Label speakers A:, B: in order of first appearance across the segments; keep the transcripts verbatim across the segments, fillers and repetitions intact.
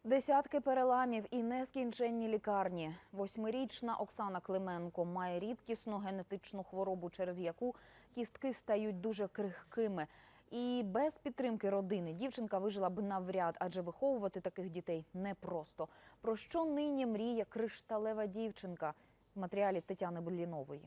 A: Десятки переламів і нескінченні лікарні. Восьмирічна Оксана Клименко має рідкісну генетичну хворобу, через яку кістки стають дуже крихкими. І без підтримки родини дівчинка вижила б навряд, адже виховувати таких дітей непросто. Про що нині мріє кришталева дівчинка? В матеріалі Тетяни Блінової.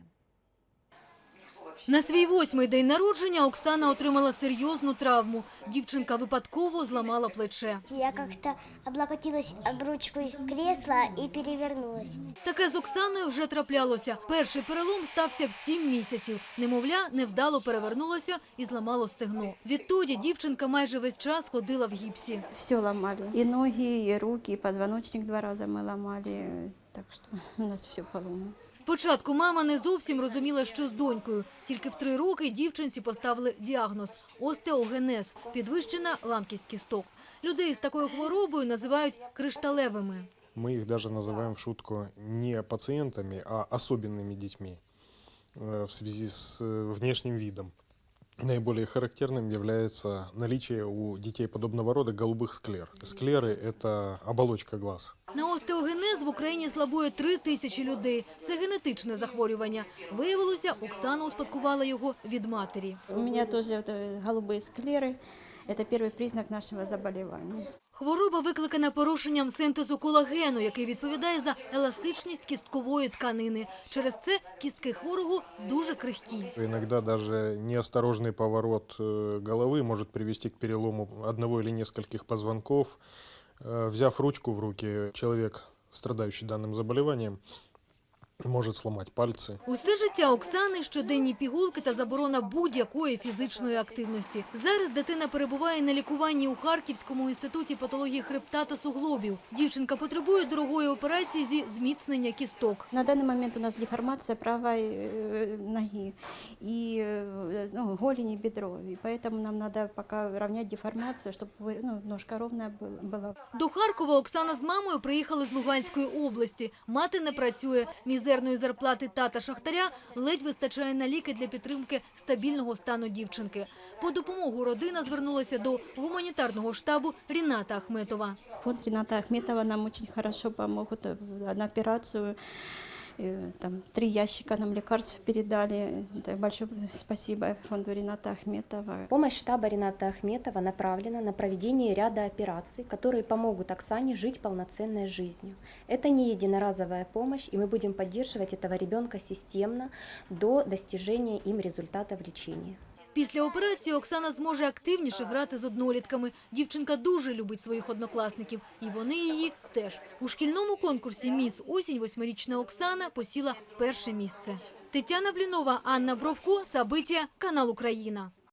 B: На свій восьмий день народження Оксана отримала серйозну травму. Дівчинка випадково зламала плече.
C: Я как-то облокотилась об ручку кресла и перевернулась.
B: Таке з Оксаною вже траплялося. Перший перелом стався в сім місяців. Немовля невдало перевернулося і зламало стегно. Відтоді дівчинка майже весь час ходила в гіпсі.
D: Все ломали. И ноги, и руки, и позвоночник два раза мы ломали. Так що у нас все поломано.
B: Спочатку мама не зовсім розуміла, що з донькою. Тільки в три роки дівчинці поставили діагноз – остеогенез – підвищена ламкість кісток. Людей з такою хворобою називають кришталевими.
E: Мы их даже называем в шутку не пациентами, а особенными детьми в связи с внешним видом. Наиболее характерным является наличие у детей подобного рода голубых склер. Склеры – это оболочка глаз.
B: На остеогенез в Україні слабує три тисячі людей. Це генетичне захворювання. Виявилося, Оксана успадкувала його від матері.
D: У меня тоже вот, голубые склеры. Это первый признак нашего заболевания.
B: Хвороба викликана порушенням синтезу колагену, який відповідає за еластичність кісткової тканини. Через це кістки хворого дуже крихкі.
E: Иногда даже неосторожный поворот головы может привести к перелому одного или нескольких позвонков. Взяв ручку в руки, человек, страдающий данным заболеванием, може сломати пальці.
B: Усе життя Оксани – щоденні пігулки та заборона будь-якої фізичної активності. Зараз дитина перебуває на лікуванні у Харківському інституті патології хребта та суглобів. Дівчинка потребує дорогої операції зі зміцнення кісток.
D: На данный момент у нас деформация правой ноги и ну, голени, бедро. И поэтому нам надо пока равнять деформацию, чтобы ну, ножка ровная была.
B: До Харкова Оксана з мамою приїхали з Луганської області. Мати не працює. Мізерної зарплати тата шахтаря ледь вистачає на ліки для підтримки стабільного стану дівчинки. По допомогу родина звернулася до гуманітарного штабу Ріната Ахметова.
D: Фонд Рината Ахметова нам очень хорошо помогут на операцию. Там три ящика нам лекарств передали. Большое спасибо фонду Рината Ахметова.
F: Помощь штаба Рината Ахметова направлена на проведение ряда операций, которые помогут Оксане жить полноценной жизнью. Это не единоразовая помощь, и мы будем поддерживать этого ребенка системно до достижения им результатов лечения.
B: Після операції Оксана зможе активніше грати з однолітками. Дівчинка дуже любить своїх однокласників, і вони її теж. У шкільному конкурсі «Міс Осінь» восьмирічна Оксана посіла перше місце. Тетяна Блінова, Анна Бровко, Сабиття, канал Україна.